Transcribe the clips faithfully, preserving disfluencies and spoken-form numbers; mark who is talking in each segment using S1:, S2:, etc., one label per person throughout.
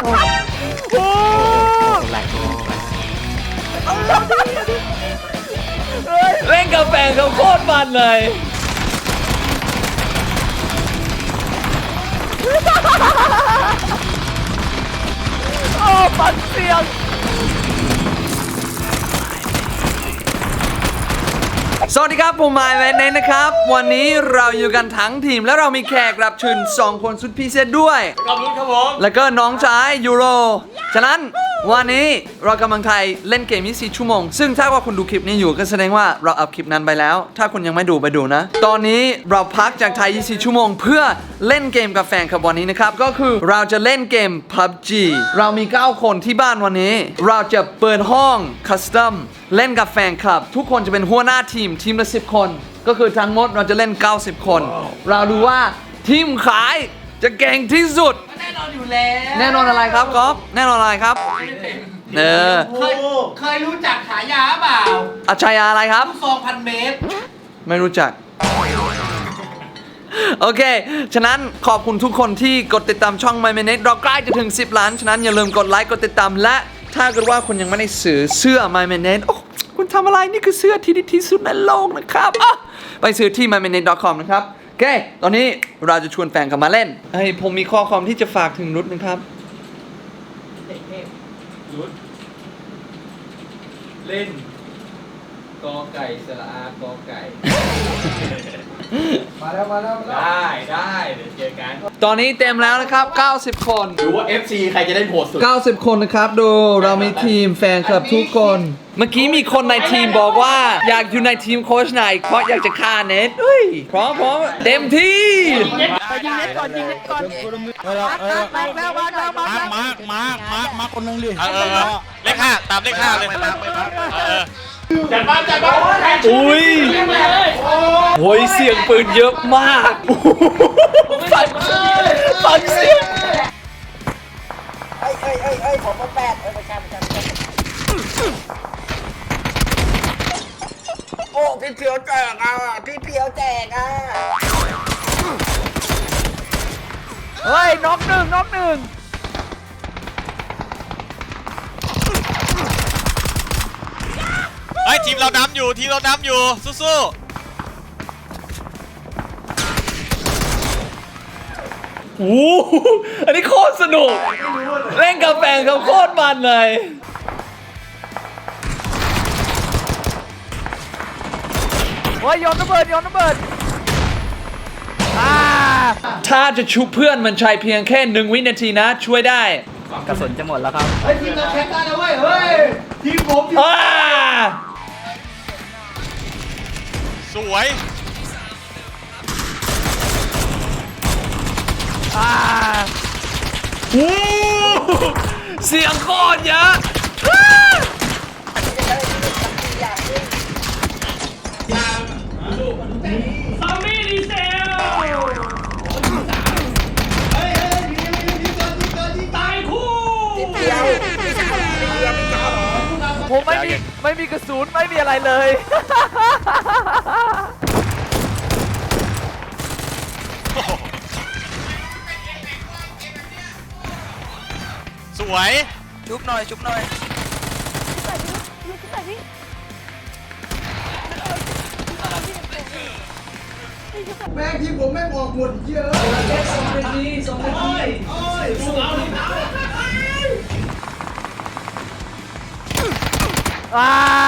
S1: โอ้แหลกเล่นกับแฟนเขาโคตรมันเลยโอ้ปันเสียงสวัสดีครับผมหมายแวนเนนนะครับวันนี้เราอยู่กันทั้งทีมและเรามีแขกรับเชิญสองคนสุดพิเศษด้วยขอบคุณครับผมแล้วก็น้องชายยูโรฉะนั้นวันนี้เรากำลังไทยเล่นเกมยี่สิบสี่ชั่วโมงซึ่งถ้าว่าคุณดูคลิปนี้อยู่ก็แสดงว่าเราอัพคลิปนั้นไปแล้วถ้าคุณยังไม่ดูไปดูนะตอนนี้เราพักจากไทยยี่สิบสี่ชั่วโมงเพื่อเล่นเกมกับแฟนครับวันนี้นะครับก็คือเราจะเล่นเกม พับจี เรามีเก้าคนที่บ้านวันนี้เราจะเปิดห้องคัสตอมเล่นกับแฟนคลับทุกคนจะเป็นหัวหน้าทีมทีมละสิบคนก็คือทั้งหมดเราจะเล่นเก้าสิบคน wow. เราดูว่าทีมขายจะเก่งที่สุดแน่นอนอยู่แล้วแน่นอนอะไรครับก๊อฟแน่นอนอะไรครับเออ
S2: เคยเคยรู้จักฉายาเปล่า
S1: อาชายาอะไรครับ
S2: ลูกซองพันเมตร
S1: ไม่รู้จักโอเคฉะนั้นขอบคุณทุกคนที่กดติดตามช่อง My Minute เราใกล้จะถึงสิบล้านฉะนั้นอย่าลืมกดไลค์กดติดตามและถ้าเกิดว่าคุณยังไม่ได้ซื้อเสื้อ My Minute โอ้คุณทำอะไรนี่คือเสื้อที่ดีที่สุดในโลกนะครับไปซื้อที่ มาย มินิท ดอท คอม นะครับโอเคตอนนี้เราจะชวนแฟนกลับมาเล่นเฮ้ยผมมีข้อความที่จะฝากถึงรุดนะครับ
S3: รุดเล่นกอไก่สระอากอไก่
S2: มาแล้วมาแล้ว
S3: ได้ได้เดี๋ยวเจอกัน
S1: ตอนนี้เต็มแล้วนะครับเก้าสิบคน
S3: ดูว่า เอฟ ซี ใครจะได้โหดสุด
S1: เก้าสิบคนนะครับดูเรามีทีมแฟนคลับทุกคนเมื่อกี้มีคนในทีมบอกว่าอยากอยู่ในทีมโค้ชไหนเพราะอยากจะฆ่าเน็ตเฮ้ยพร้อมพร้อมเต็มที่
S2: ไปยิงเน็ตก่อนยิงเน็ตก่อนมาแล้วมาแล้วมาแล้วมามามามาคนนึงดิ
S4: เลขห้าตามเลขห้าเลย
S2: จัดบ้านจัดบ้าน
S1: อุ้ยโอ้ยเสียงปืนเยอะมากฟังฟังเสียง
S2: ไอ้ไอ้ไอ้ไอ้ผมมาแปดเออประชันประชันโอ้พี่เพียวแจกอ่ะพี่เพียวแจกอ่ะ
S1: เฮ้ยน็อกหนึ่งน็อกหนึ่ง
S4: เฮ้ยทีมเรานำอยู่ทีมเรานำอยู่สู้
S1: ๆโอ้อันนี้โคตรสนุกเล่นกับแฟนเขาโคตรมันเลยโอ้ยโยนระเบิดโยนระเบิดถ้าจะชุบเพื่อนมันใช้เพียงแค่หนึ่งวินาทีนะช่วยได้
S3: กระสุนจะหมดแล้วครับ
S2: เฮ้ยทีมเราแข่งได้แล้วเว้ยเฮ้ยทีมผมทีม
S4: สวย
S1: เสียงโคตรเยอะ
S3: ซอมบี้ดีเซลตายคู่
S1: ผมไม่มีไม่มีกระสุนไม่มีอะไรเลย
S4: สวย
S2: ชุบหน่อยชุบหน่อยแม่งทีมผมแม่งออกหมดเยอะแค่สองนาทีสองนาทีโอ้ยสู้เอาดิ
S1: อ่า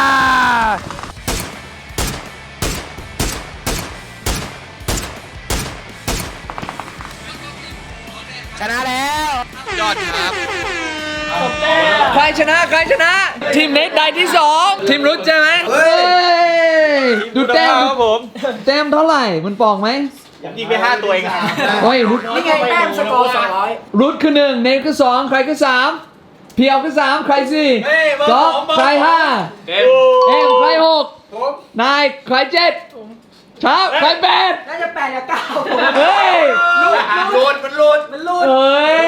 S2: ชนะแล้ว
S4: ยอดครับ
S1: ใครชนะใครชนะทีมเน็ตได้ที่สองทีมรุดใช่ไหมเฮ้ยดูแต้มครับผมแต้มเท่าไหร่มันปองไหม
S4: ยิงไปห้าตัวเอง
S1: โอ้ยรุด
S2: นี่ไงแต้มสกอร์สองร้อย
S1: รุดคือหนึ่งเน็ตคือสองใครคือสามเพียวคือสามใครสี่ก๊อฟใครห้าเอ็มใครหกนายใครเจ็ดช้าใครแปด
S2: น่าจะแปดกับเก้า
S1: เฮ้ย
S2: หลุดมันหลุดมันหลุด
S1: เฮ้ย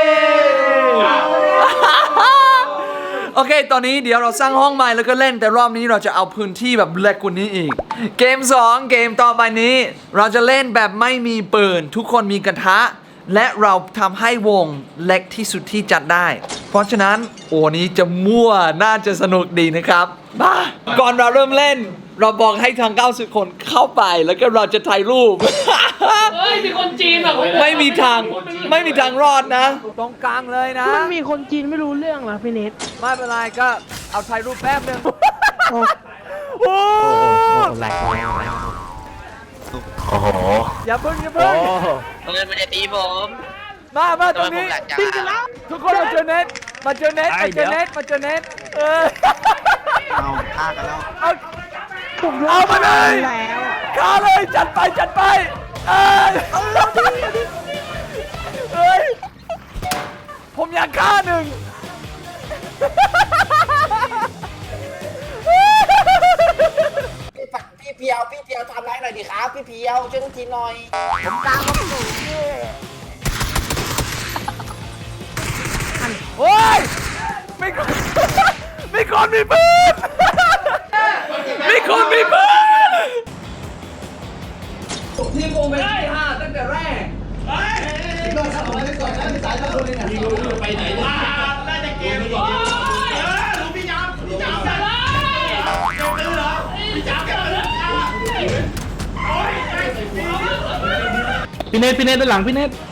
S1: โอเคตอนนี้เดี๋ยวเราสร้างห้องใหม่แล้วก็เล่นแต่รอบนี้เราจะเอาพื้นที่แบบเล็กกว่านี้อีกเกมสองเกมต่อไปนี้เราจะเล่นแบบไม่มีปืนทุกคนมีกระทะและเราทำให้วงเล็กที่สุดที่จัดได้ เพราะฉะนั้นโอ้นี้จะมั่วน่าจะสนุกดีนะครับบ้าก่อนเราเริ่มเล่น เราบอกให้ทางเก้าสิบคนเข้าไปแล้วก็เราจะถ่ายรูป
S5: เฮ้ย มีคนจีนแบบ
S1: ไม่มีทางไม่มีทางรอดนะ ตรงกลางเลยนะ
S6: มันมีคนจีนไม่รู้เรื่องเหรอพี่เนท
S1: ไม่เป็นไรก็เอาถ่ายรูปแป๊บนึงโอ้
S6: แหลก
S1: อย่าเพิ่งอย่าเพิ่ง
S7: เพื่อนมันจะตีผม
S1: มามาตรงนี้
S7: ทำไมผมแหลกจัง
S1: พี่จะรับทุกคนมาเจอเน็ตมาเจอเน็ตมาเจอเน็ตมาเจอเน็ตเออ
S2: เอาฆ่ากันแล้ว
S1: เอา
S6: ผม
S1: เอามาเลย
S6: แล้วอะ
S1: ฆ่าเลยจัดไปจัดไปเอ้ยเอ้ยผมอยากฆ่าหนึ่ง
S7: พี่เพียวพี่เพียวทำร้ายหน่อยดิครับพี่เพียวช่วยทุกทีหน่อยผมกลางผมสูง
S1: โอ้ยไม่คนไม่คนมีปืนไม่คนมีปืนทีมผมเป็นที่ห้าตั้งแต่แรก
S2: เราทำอะไรไปก่อนนะพี่สายเราคนนึงอ่ะ
S5: ไปไหนเนี่ยน่าจะเกมอีกเออรู้พี่ยามพี่ยามจะไล่เกมตื้อเหรอพี่ยามจะไล่โอ้ย
S6: พี่เนทพี่เนทด้านหลังพี่เนท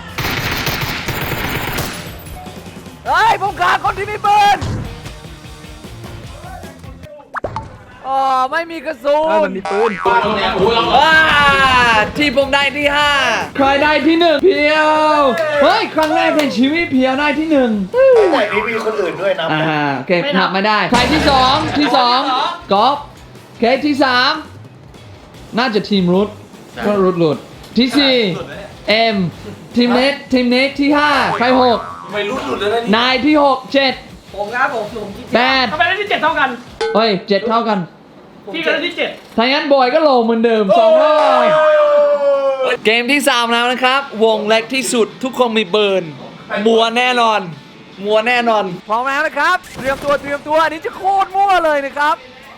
S1: เฮ้ยผมฆ่าคนที่มีปืนอ๋อไม่มีกระสุน
S6: มันมีปืน
S1: ว้าที่ผมได้ที่ห้าใครได้ที่หนึ่งเพียวเฮ้ยครั้งแรกในชีวิตเพียวได้ที่หนึ่ง
S2: แต่นี้มีคนอื่นด้วยนะ
S1: อ่าโอเคนับไม่ได้ ใครที่สองที่สองกอล์ฟโอเคที่สามน่าจะทีมรุดก็รุดหลุดที่สี่เอ็มทีมเน็ตทีมเน็ตที่ห้าใครหกไม่รุดหลุดเลยนายที่หกเจ็ดผมครับผมผมที่แปด
S5: ทำไมได้ที่เจ็ดเท่ากัน
S1: เฮ้ยเจ็ดเท่ากัน
S5: พี่ก็ได้ที่เจ็ด
S1: ถ้างั้นบอยก็โลเหมือนเดิมสองรอบเกมที่สามแล้วนะครับ วงเล็กที่สุดทุกคนมีเบิร์นมัวแน่นอน มัวแน่นอน พร้อมแล้วนะครับ เตรียมตัวเตรียมตัวอันนี้จะโคตรมั่วเลยนะครับ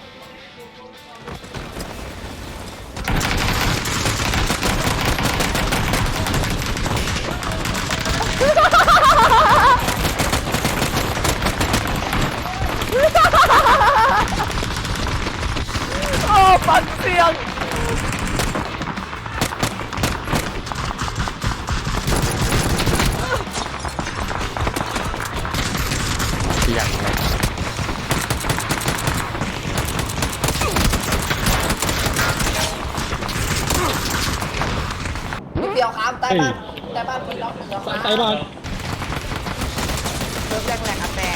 S1: โอ้ปั่นเสียง
S7: พี่เพียวครับใต้บ้านใต้บ้านพี่น้องพี่เพียวครับ
S6: ใส่บอล
S7: เริ่มแรกแรกครับแต่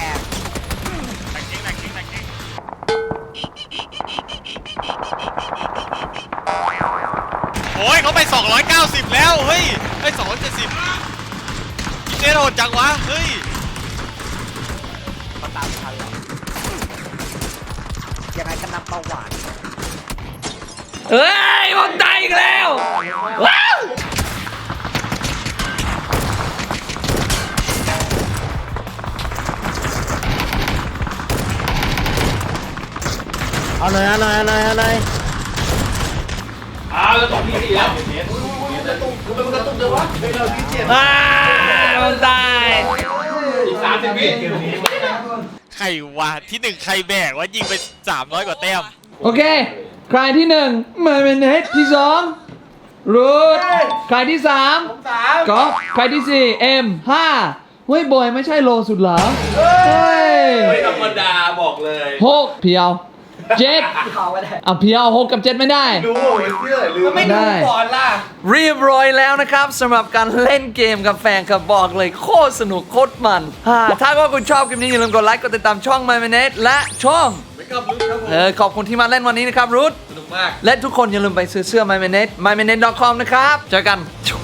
S4: โอ้ยเขาไปสองร้อยเก้าสิบแล้วเฮ้ยไอ้สองร้อยเจ็ดสิบเจ๊โหดจังวะเฮ้ย
S7: มาตามทันแล้วยังไงก็นับเบาหวาน
S1: เฮ้ยผมตายอีกแล้ว ว้าว
S6: เอาหน่อยเอาหน่อยเอาหน่อยเอาหน่อย
S5: อ้าวแล้วตอนที่สี่แล้ว
S1: ว้าวผมตาย
S5: อีกสามสิบวิ
S4: ใครวะที่หนึ่งใครแบกว่ายิงไปสามร้อยกว่าแต้ม
S1: โอเค ใครที่หนึ่งมาเป็นเฮดที่สองรูทใครที่สามก๊อฟใครที่สี่เอ็มห้าเฮ้ยบอยไม่ใช่โลสุดเหรอเฮ้ย
S3: ไม่ธรรมดาบอกเลย
S1: หกเพียวเจ็ดอ่ะเพียวหกกับเจ็ดไม่ได้
S2: ดูเสื้อลืม
S1: ไม่ได้เรียบร้อยแล้วนะครับสำหรับการเล่นเกมกับแฟนครับบอกเลยโคตรสนุกโคตรมันฮ่าถ้าก็คุณชอบคลิปนี้อย่าลืมกดไลค์กดติดตามช่อง My Minute และช่อง
S3: ไม่กับรุดครับผม
S1: เออขอบคุณที่มาเล่นวันนี้นะครับรุท
S3: สนุกมาก
S1: และทุกคนอย่าลืมไปซื้อเสื้อ My Minute มาย มินิท ดอท คอม นะครับ เจอกัน